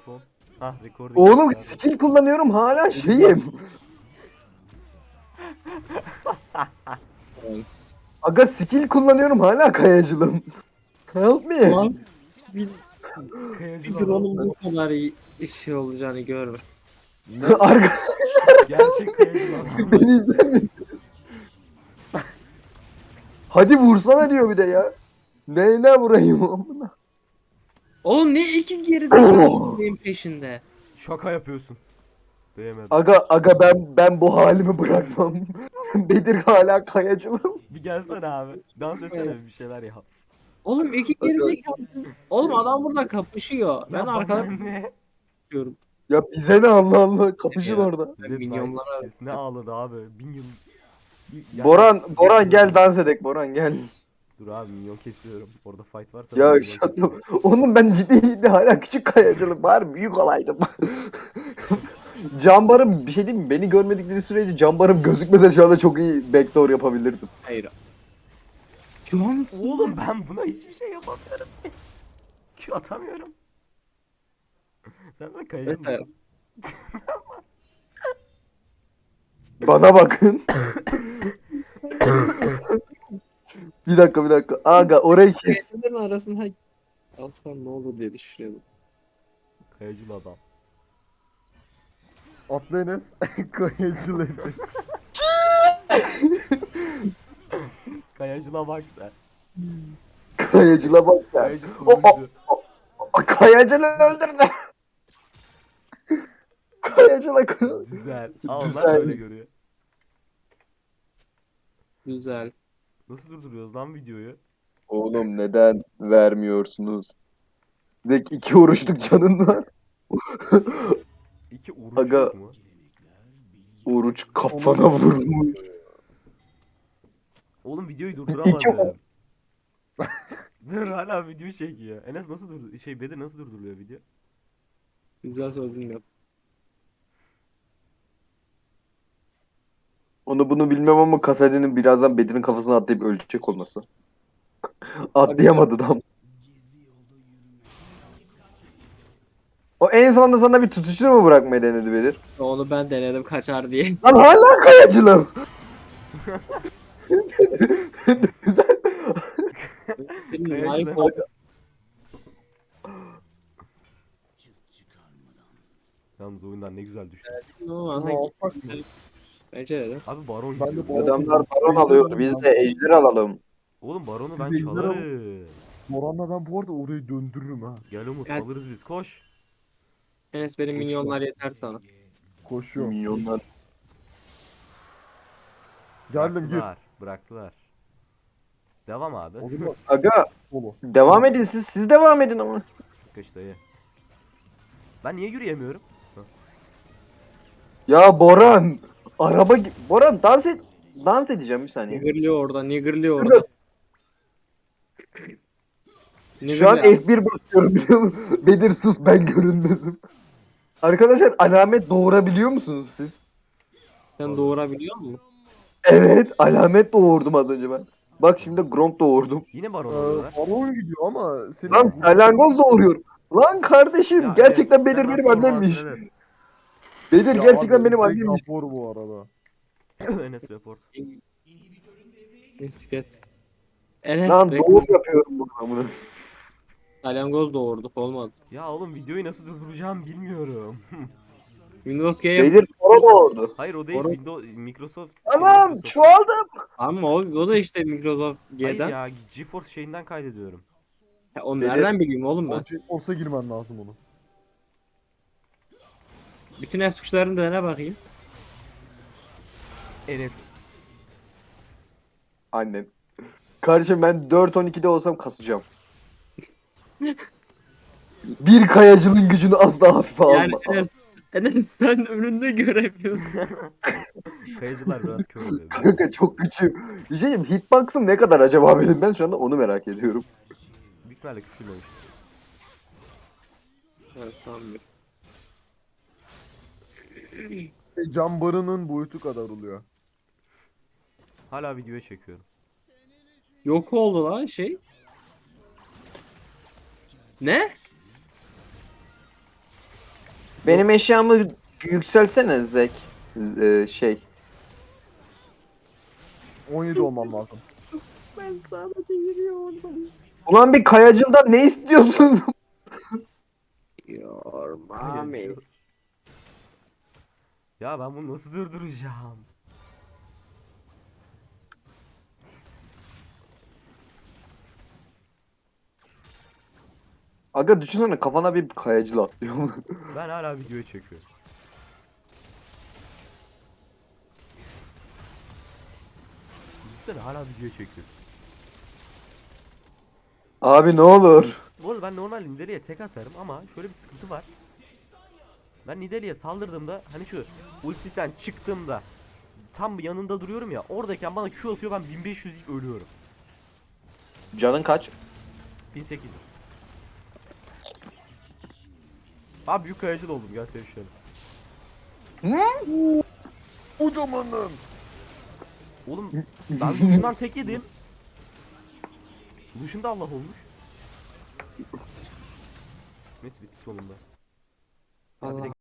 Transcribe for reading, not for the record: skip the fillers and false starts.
telefon. Hah recording. Oğlum yaptı adam. skill kullanıyorum hala şeyim. Evet. Aga skill kullanıyorum hala kayacılım. Help me. Lan bir, Kayacıl bir adam. drone'un bu kadar şey olacağını görmüş. Ne? Arka Gerçek kayacıl adam. beni izler misiniz? Hadi vursana diyor bir de ya. Neyine vurayım amına? Oğlum ne iki gerizekalı benim peşinde. Şaka yapıyorsun. Değmedim. Aga ben bu halimi bırakmam. Bedir hala kayacılım. Bir gelsene abi. Dans etsene bir şeyler yap. Oğlum iki gerizekalısız. Oğlum adam burada kapışıyor. Ben Ya arkada bana ne? kapışıyorum. Ya bize ne Allah Allah kapışın Ya. orada. Zed milyonlara- Nice ne ağladı abi. 1000 yıl. Yani- Boran gel dans edek Boran gel. Dur abi minyon kesiyorum. Orada fight varsa ben Ya minyon şaka. kesiyorum. Oğlum ben ciddi hala küçük kayacılık var büyük olaydım. Cambarım bir şey diyeyim mi? Beni görmedikleri sürece cambarım gözükmese şu anda çok iyi backdoor yapabilirdim. Hayır. Şu an Oğlum ben buna hiçbir şey yapamıyorum. Q atamıyorum. Sen de kayacak Mesela- mısın? Bana bakın. Bir dakika. Aga orayı kes. Kayıtların arasında alsam ne olur diye düşünüyordum. Kayacıl adam. Atlı Enes kayıcı dedi. Kayacıla bak sen. Kayacıla bak sen. Kayacıl O- kurucu. Kayacılı öldürdü. Kayacıla Güzel. Aa onlar Güzel. da öyle görüyor. Güzel. Nasıl durduruyoruz lan videoyu? Oğlum neden vermiyorsunuz? Zek 2 oruçluk canın var. İki oruç Aga. yok mu? Oruç kafana vurmuş. Oğlum videoyu İki durduramadım. Dur hala video çekiyor. Enes nasıl durdu? Bedir nasıl durduruyor video? Güzel soru bilmiyorum. Onu bunu bilmem ama Kasadin'in birazdan Bedir'in kafasına atlayıp ölecek olması. Atlayamadı da. O en sonunda sana bir tutuştur mu bırakmayı denedi Bedir? Onu ben denedim kaçar diye. Lan hala kayacılım. Güzel. Benim Kayacıl like Enes. oldu. Yalnız oyundan ne güzel düştü. Ama Bunu alsak mı? bence de. Abi baron Ben de gidiyor. bu- Adamlar baron alıyor. Biz de ejder alalım. Oğlum baronu Siz ben de ejder alın. çalarım. Moran'la ben bu arada orayı döndürürüm ha. Gel Umut Gel. alırız biz koş. Enes benim milyonlar yeter sana. Koşuyorum. Milyonlar. Geldim gir. Bıraktılar. Devam abi. O zaman Aga solo. devam edin siz. Siz devam edin ama. Kaç dayı. Ben niye yürüyemiyorum? Ya Boran. Boran dans et. Dans edeceğim bir saniye. Niggerliyor orada, niggerliyor orada. Şu an Niggerliyor. F1 basıyorum biliyor musun? Bedir sus ben görünmezim. Arkadaşlar alamet doğurabiliyor musunuz siz? Sen doğurabiliyor musun? Evet alamet doğurdum az önce ben. Bak şimdi Gronk doğurdum. Yine baron alıyorlar. Baron gidiyor ama senin Lan salyangoz doğuruyor. Lan kardeşim Ya gerçekten Enes, Bedir sen benim nasıl annemmiş. olmaz? Bedir Ya gerçekten abi, benim tek annemmiş. rapor bu arada. Evet. Enes report. Bisiklet. Enes Lan be. doğum yapıyorum bu amına. Salyangoz doğurduk olmadı. Ya oğlum videoyu nasıl durduracağım bilmiyorum. Windows Game. Bedir sonra doğurdu. Hayır o değil Doğru. Windows Microsoft. Anam Microsoft. çoğaldım. Ama o da işte Microsoft Hayır G'den. ya GeForce şeyinden kaydediyorum. Ya, onu Benim- nereden bileyim oğlum ben? Olsa girmen lazım onu. Bütün es tuşlarını dene bakayım. Enes. Annem. Kardeşim ben 4-12'de olsam kasacağım. Bir kayacılın gücünü asla hafife Yani alma. Enes sen önünde göremiyorsun. Kayıcılar biraz kör oluyor. Kanka çok güçlü. Bir şey diyeyim, hitbox'ım ne kadar acaba benim? Ben şu anda onu merak ediyorum. Büyük ihtimalle küçülmemiş. Evet sanmıyorum. Cam barının boyutu kadar oluyor. Hala videoya çekiyorum. Yok oldu lan şey. Ne? Benim eşyamı yükselsene Zek. Şey. 17 olmam lazım. Ben sadece yürüyorum. Ulan bir kayacıldan ne istiyorsun? Yormami. Ya ben bunu nasıl durduracağım? Aga düşünsene kafana bir kayacıl atlıyor. Ben hala videoya çekiyorum. Düşünsene hala videoya çekiyorum. Abi ne olur. Bu arada ben normal Nidalee'ye tek atarım ama şöyle bir sıkıntı var. Ben Nidalee'ye saldırdığımda hani şu ultisten çıktığımda tam yanında duruyorum ya, oradayken bana Q atıyor, ben 1500 ilk ölüyorum. Canın kaç? 1800. Abi büyük kayacıl oldum, gel sevişelim. Kocamanım. Oğlum ben Lucian'dan tek yedim. Lucian da Allah olmuş. Neyse bitti sonunda. Ya bir de